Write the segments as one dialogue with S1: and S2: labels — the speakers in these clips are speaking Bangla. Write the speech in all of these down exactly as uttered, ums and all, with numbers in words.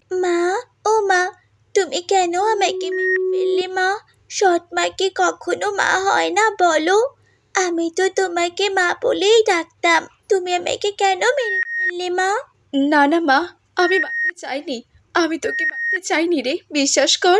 S1: মা, ও মা, তুমি কেন আমাকে মেরে ফেললে মা? সৎ মা কি কখনো মা হয় না বলো? আমি তো তোমাকে মা বলেই ডাকতাম। তুমি আমাকে কেন মেরে ফেললে মা?
S2: না না মা, আমি মারতে চাইনি। আমি তোকে মারতে চাইনি রে, বিশ্বাস কর।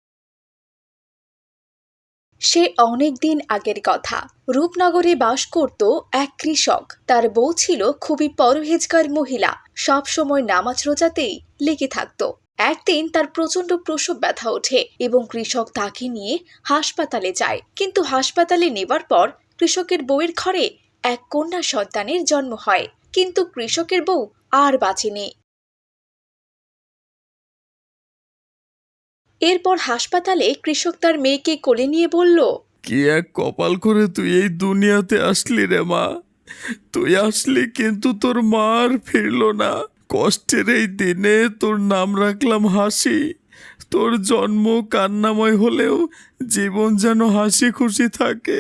S2: সে অনেক দিন আগের কথা। রূপনগরে বাস করত এক কৃষক। তার বউ ছিল খুবই পরহেজগার মহিলা, সব সময় নামাজ রোজাতেই লেগে থাকতো। একদিন তার প্রচন্ড প্রসব ব্যথা ওঠে এবং কৃষক তাকে নিয়ে হাসপাতালে যায়। কিন্তু হাসপাতালে নেবার পর কৃষকের বউয়ের ঘরে এক কন্যা সন্তানের জন্ম হয়। কিন্তু কৃষকের বউ আর বাঁচেনি। এরপর হাসপাতালে কৃষক তার মেয়েকে কোলে নিয়ে বলল,
S3: কি এক কপাল করে তুই এই দুনিয়াতে আসলি রে মা। তুই আসলি কিন্তু তোর মা আর ফিরল না। কষ্টের এই দিনে তোর নাম রাখলাম হাসি। তোর জন্ম কান্নাময় হলেও জীবন যেন হাসি খুশি থাকে।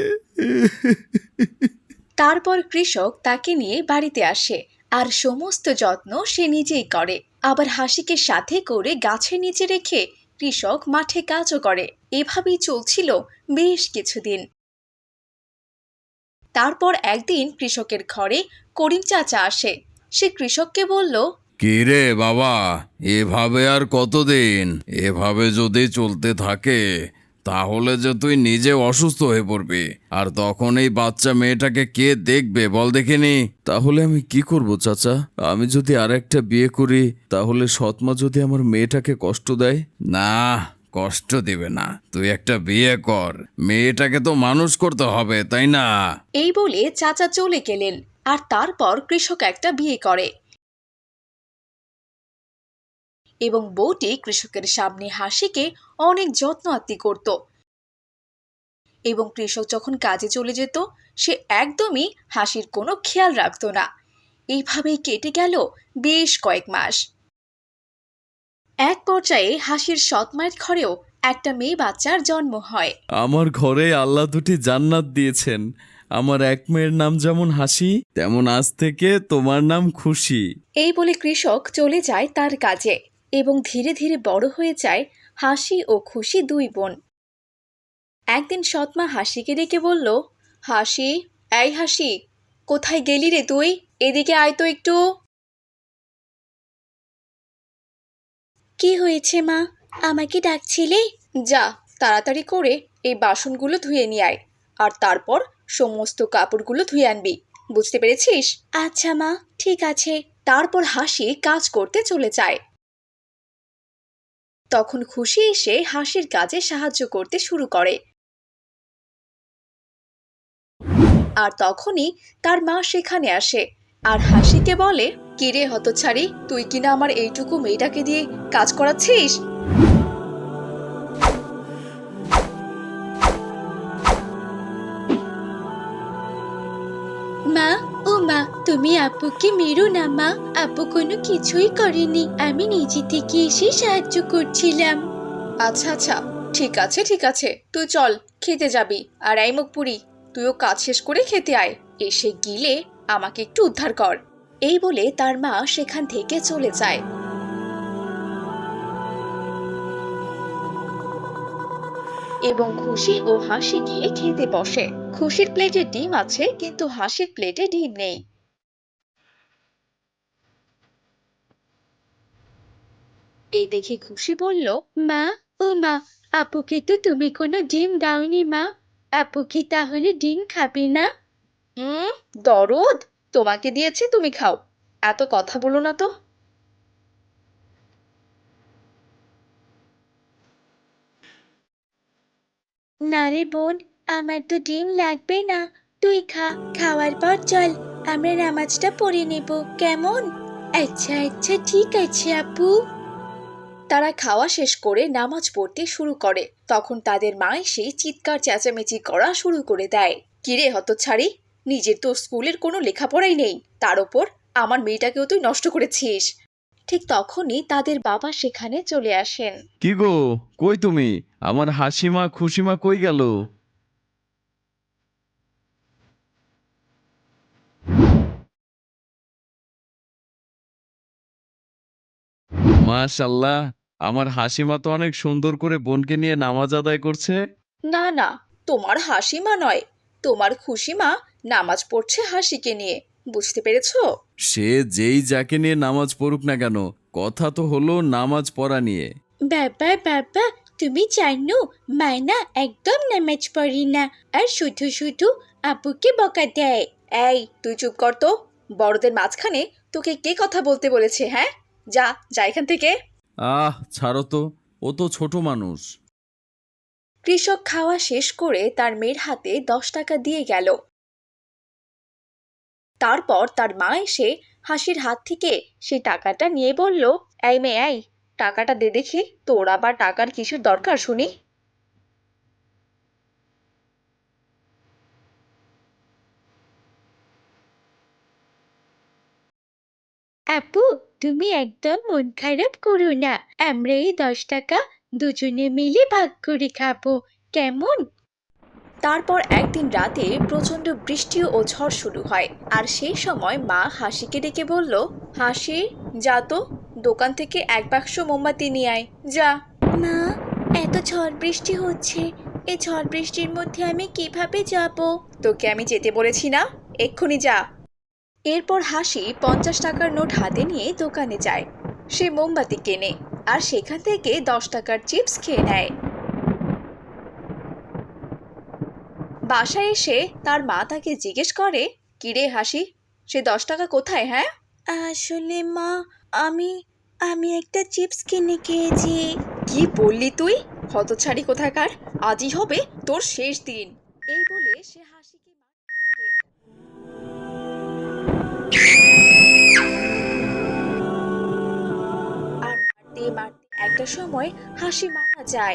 S2: তারপর কৃষক তাকে নিয়ে বাড়িতে আসে আর সমস্ত যত্ন সে নিজেই করে। আবার হাসিকে সাথে করে গাছের নিচে রেখে কৃষক মাঠে কাজও করে। এভাবেই চলছিল বেশ কিছুদিন। তারপর একদিন কৃষকের ঘরে করিম চাচা আসে। সে কৃষককে বলল,
S3: কি রে বাবা, এভাবে আর কতদিন? এভাবে যদি চলতে থাকে তাহলে যে তুই নিজে অসুস্থ হয়ে পড়বি, আর তখন এই বাচ্চা মেয়েটাকে কে দেখবে বল দেখিনি? তাহলে আমি কি করব চাচা? আমি যদি আর একটা বিয়ে করি তাহলে সৎমা যদি আমার মেয়েটাকে কষ্ট দেয়? না, কষ্ট দিবে না। তুই একটা বিয়ে কর, মেয়েটাকে তো মানুষ করতে হবে, তাই না?
S2: এই বলে চাচা চলে গেলেন। আর তারপর কৃষক একটা বিয়ে করে এবং বউটি কৃষকের সামনে হাসিকে অনেক যত্ন আত্তি করত। এবং কৃষক যখন কাজে চলে যেত সে একদমই হাসির কোনো খেয়াল রাখত না। এইভাবেই কেটে গেল বেশ কয়েক মাস। এক পর্যায়ে হাসির সৎ মায়ের ঘরেও একটা মেয়ে বাচ্চার জন্ম হয়।
S3: আমার ঘরে আল্লাহ দুটি জান্নাত দিয়েছেন। আমার এক মেয়ের নাম যেমন হাসি, তেমন আজ থেকে তোমার নাম খুশি।
S2: এই বলে কৃষক চলে যায় তার কাজে এবং ধীরে ধীরে বড় হয়ে যায় হাসি ও খুশি দুই বোন। একদিন সৎমা হাসিকে ডেকে বলল, হাসি, এই হাসি, কোথায় গেলি রে তুই? এদিকে আয় তো একটু।
S1: কি হয়েছে মা? আমাকে ডাকছিলে?
S2: যা, তাড়াতাড়ি করে এই বাসনগুলো ধুয়ে নিয়ে আয়, আর তারপর সমস্ত কাপড়গুলো ধুয়ে আনবি। বুঝতে পেরেছিস?
S1: আচ্ছা মা, ঠিক আছে।
S2: তারপর হাসি কাজ করতে চলে যায়। তখন খুশি এসে হাসির কাজে সাহায্য করতে শুরু করে। আর তখনই তার মা সেখানে আসে আর হাসিকে বলে, কিরে হতচ্ছাড়ি, তুই কিনা আমার এইটুকু মেয়েটাকে দিয়ে কাজ করাচ্ছিস?
S1: মা, ও মা, তুমি আপুকে মেরো না মা। আপু কোনো কিছুই করেনি, আমি নিজে থেকে এসে সাহায্য করছিলাম।
S2: আচ্ছা আচ্ছা, ঠিক আছে ঠিক আছে, তুই চল, খেতে যাবি। আর এই মুখ পুরি, তুইও কাজ শেষ করে খেতে আয়। এসে গিলে আমাকে একটু উদ্ধার কর। এই বলে তার মা সেখান থেকে চলে যায়। এবং খুশি ও হাসি গিয়ে খেতে বসে। খুশির প্লেটে ডিম আছে কিন্তু হাসির প্লেটে ডিম নেই। এই দেখে খুশি বলল,
S1: মা, ও মা, আপুকে তো তুমি কোনো ডিম দাওনি মা। আপু কি তাহলে ডিম খাবে না?
S2: হুম, দরদ, তোমাকে দিয়েছি তুমি খাও। এত কথা বলো না তো।
S1: না রে বোন, আমার তো ডিম লাগবে না। তুই খা, খাওয়ার পর চল আমরা নামাজটা পড়ে নেব, কেমন? আচ্ছা আচ্ছা, ঠিক আছে আপু।
S2: তারা খাওয়া শেষ করে নামাজ পড়তে শুরু করে। তখন তাদের মা এসে চিৎকার চেঁচামেচি করা শুরু করে দেয়। কিরে হতচ্ছাড়ি, নিজের তো স্কুলের কোনো লেখাপড়াই নেই, তার ওপর আমার মেয়েটাকেও তুই নষ্ট করেছিস। ঠিক তখনই তাদের বাবা সেখানে চলে আসেন।
S3: কি গো, কই তুমি? আমার হাসিমা খুশিমা কই গেল?
S4: মাশাল্লাহ, আমার হাসিমা তো অনেক সুন্দর করে বোনকে নিয়ে নামাজ আদায় করছে।
S2: না না, তোমার হাসি মা নয়, তোমার খুশি মা নামাজ পড়ছে হাসিকে নিয়ে। বুঝতে পেরেছো?
S3: সে যেই যাকে নিয়ে নামাজ পড়ুক না কেন, কথা তো হলো নামাজ পড়া নিয়ে।
S1: বাবা বাবা, তুমি জানো মায়না একদম নামাজ পড়ি না, আর শুধু শুধু আপুকে বকা দেয়।
S2: এই তুই চুপ কর তো। বড়দের মাঝখানে তোকে কে কথা বলতে বলেছে? হ্যাঁ, যা যা এখান থেকে।
S3: আহ ছাড়ো তো, ও তো ছোট মানুষ।
S2: কৃষক খাওয়া শেষ করে তার মেয়ের হাতে দশ টাকা দিয়ে গেল। তারপর তার মা এসে হাসির হাত থেকে সেই টাকাটা নিয়ে বলল, এই মেয়ে, এই টাকাটা দে দেখি, তোর আবার টাকার কিসের দরকার শুনি?
S1: আপু, তুমি একদম মন খারাপ করো না, আমরা এই দশ টাকা দুজনে মিলে ভাগ করে খাবো, কেমন?
S2: তারপর একদিন রাতে প্রচন্ড বৃষ্টি ও ঝড় শুরু হয়, আর সেই সময় মা হাসিকে ডেকে বলল, হাসি, যা তো দোকান থেকে এক বাক্স মোমবাতি নিয়ে আয়, যা।
S1: মা, এত ঝড় বৃষ্টি হচ্ছে, এই ঝড় বৃষ্টির মধ্যে আমি কিভাবে যাব?
S2: তোকে আমি যেতে বলেছি না, এক্ষুনি যা। এরপর হাসি পঞ্চাশ টাকার নোট হাতে নিয়ে দোকানে যায়। সে মোমবাতি কেনে আর সেখান থেকে দশ টাকার চিপস খেয়ে নেয়। বাসায় এসে তার মা তাকে জিজ্ঞেস করে, কিরে হাসি, সে দশ টাকা কোথায়? হ্যাঁ,
S1: আসলে মা, আমি আমি একটা চিপস কিনে খেয়েছি।
S2: কি বললি তুই? হতচ্ছাড়ি কোথাকার, আজই হবে তোর শেষ দিন। এই বলে সে হাসিকে মারতে থাকে। আর মারতে মারতে একটা সময় হাসি মারা যায়।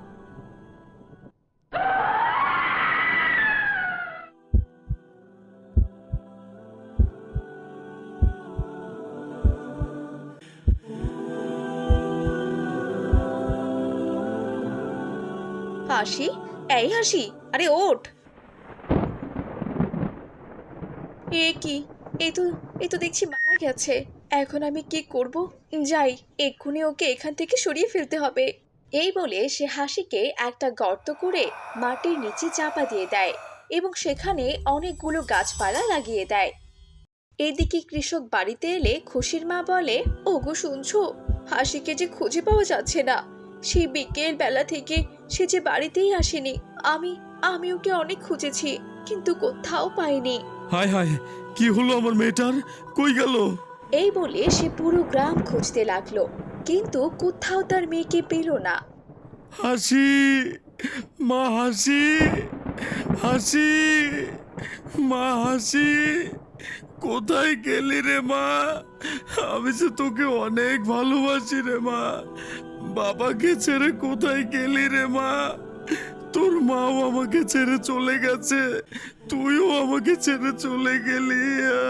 S2: হাসি, এই হাসি, আরে ওঠ। এ কি, এ তো এ তো দেখছি মারা গেছে। এখন আমি কি করব? যাই, এক্ষুনি ওকে এখান থেকে সরিয়ে ফেলতে হবে। এই বলে সে হাসিকে একটা গর্ত করে মাটির নিচে চাপা দিয়ে দেয় এবং সেখানে অনেকগুলো গাছপালা লাগিয়ে দেয়। এদিকে কৃষক বাড়িতে এলে খুশির মা বলে, ওগো শুনছো, হাসিকে যে খুঁজে পাওয়া যাচ্ছে না। সেই বিকেল বেলা থেকে সে যে বাড়িতেই আসেনি। আমি আমি ওকে অনেক খুঁজেছি, কিন্তু কোথাও পাইনি।
S3: হায় হায়, কি হলো আমার মেয়েটার, কই গেল?
S2: এই বলে সে পুরো গ্রাম খুঁজতে লাগলো, কিন্তু কোথাও তার মেয়েকে পেল না।
S3: হাসি, মা হাসি, হাসি, মা হাসি, কোথায় গেলি রে মা? আমি যে তোকে অনেক ভালোবাসি রে মা। বাবাকে ছেড়ে কোথায় গেলি রে মা? তোর মাও আমাকে ছেড়ে চলে গেছে, তুইও আমাকে ছেড়ে চলে গেলি।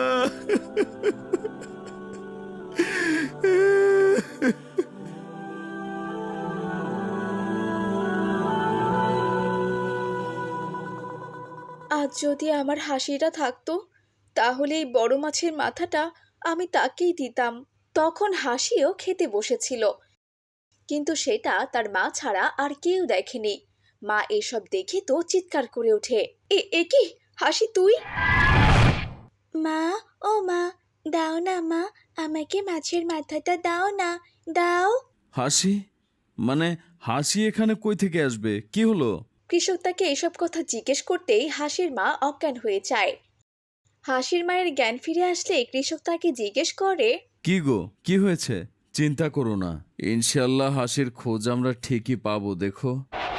S2: আজ যদি আমার হাসিটা থাকতো, তাহলে এই বড় মাছের মাথাটা আমি তাকেই দিতাম। তখন হাসিও খেতে বসেছিল, কিন্তু সেটা তার মা ছাড়া আর কেউ দেখেনি। মা এসব দেখে তো চিৎকার করে ওঠে, এ এ কি হাসি, তুই?
S1: মা, ও মা, দাও না মা, আমাকে মাছের মাথাটা দাও না, দাও।
S3: হাসি, মানে হাসি এখানে কই থেকে আসবে, কি হলো?
S2: কৃষক তাকে এসব কথা জিজ্ঞেস করতেই হাসির মা অজ্ঞান হয়ে যায়। হাসির মায়ের জ্ঞান ফিরে আসলে কৃষক তাকে জিজ্ঞেস করে,
S3: কি গো, কি হয়েছে? চিন্তা করো না, ইনশাল্লাহ হাসির খোঁজ আমরা ঠিকই পাবো, দেখো।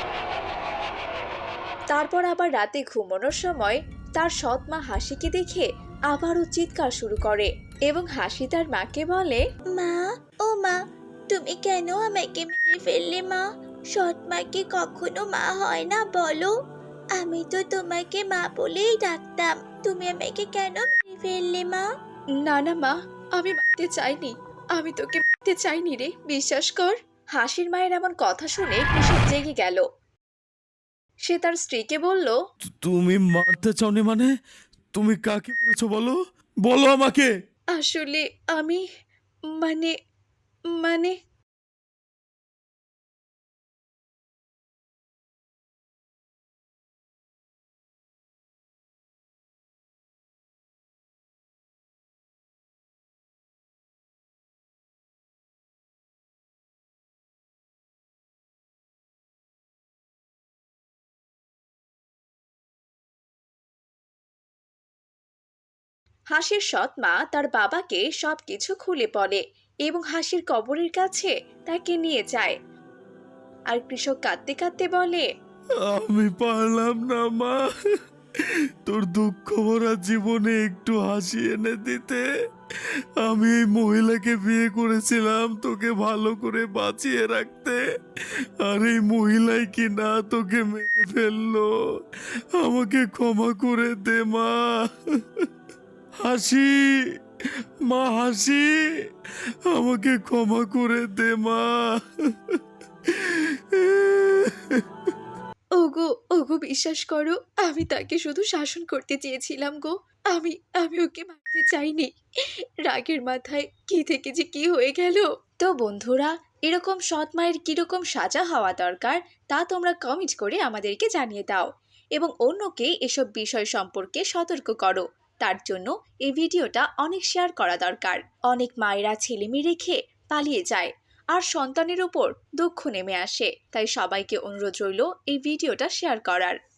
S2: তারপর আবার রাতে ঘুমানোর সময় তার সৎ মা হাসিকে দেখে আবারও চিৎকার শুরু করে এবং হাসি তার মাকে বলে,
S1: মা, ও মা, তুমি কেন আমাকে মেরে ফেললে মা? সৎ মা কি কখনো মা হয় না বলো? আমি তো তোমাকে মা বলেই ডাকতাম, তুমি আমাকে কেন মেরে ফেললে মা?
S2: না না মা, আমি মারতে চাইনি, আমি তোকে মারতে চাইনি রে, বিশ্বাস কর। হাসির মায়ের এমন কথা শুনে কৃষক জেগে গেল। সে তার স্ত্রীকে বলল,
S3: তু- তুমি মারতে চাওনি মানে? তুমি কাকে মেরেছো বলো, বলো আমাকে।
S2: আসলে আমি, মানে মানে হাসির সৎ মা তার বাবাকে সবকিছু খুলে বলে এবং হাসির কবরের কাছে তাকে নিয়ে যায়। আর কৃষক কাঁদতে কাঁদতে বলে,
S3: আমি পারলাম না মা, তোর দুঃখ ভরা জীবনে একটু হাসি এনে দিতে। আমি এই মহিলাকে বিয়ে করেছিলাম তোকে ভালো করে বাঁচিয়ে রাখতে, আর এই মহিলাই কি না তোকে মেরে ফেললো। আমাকে ক্ষমা করে দে মা। হাসি, মা হাসি, আমাকে ক্ষমা করে দে মা।
S2: ওগো ওগো বিশ্বাস করো, আমি তাকে শুধু শাসন করতে চেয়েছিলাম গো। আমি আমি ওকে মারতে চাইনি। রাগের মাথায় কি থেকে যে কি হয়ে গেল। তো বন্ধুরা, এরকম সৎ মায়ের কিরকম সাজা হওয়া দরকার তা তোমরা কমেন্ট করে আমাদেরকে জানিয়ে দাও এবং অন্যকে এসব বিষয় সম্পর্কে সতর্ক করো। তার জন্য এই ভিডিওটা অনেক শেয়ার করা দরকার। অনেক মায়েরা ছেলেমেয়ে রেখে পালিয়ে যায় আর সন্তানের উপর দুঃখ নেমে আসে। তাই সবাইকে অনুরোধ রইল এই ভিডিওটা শেয়ার করার।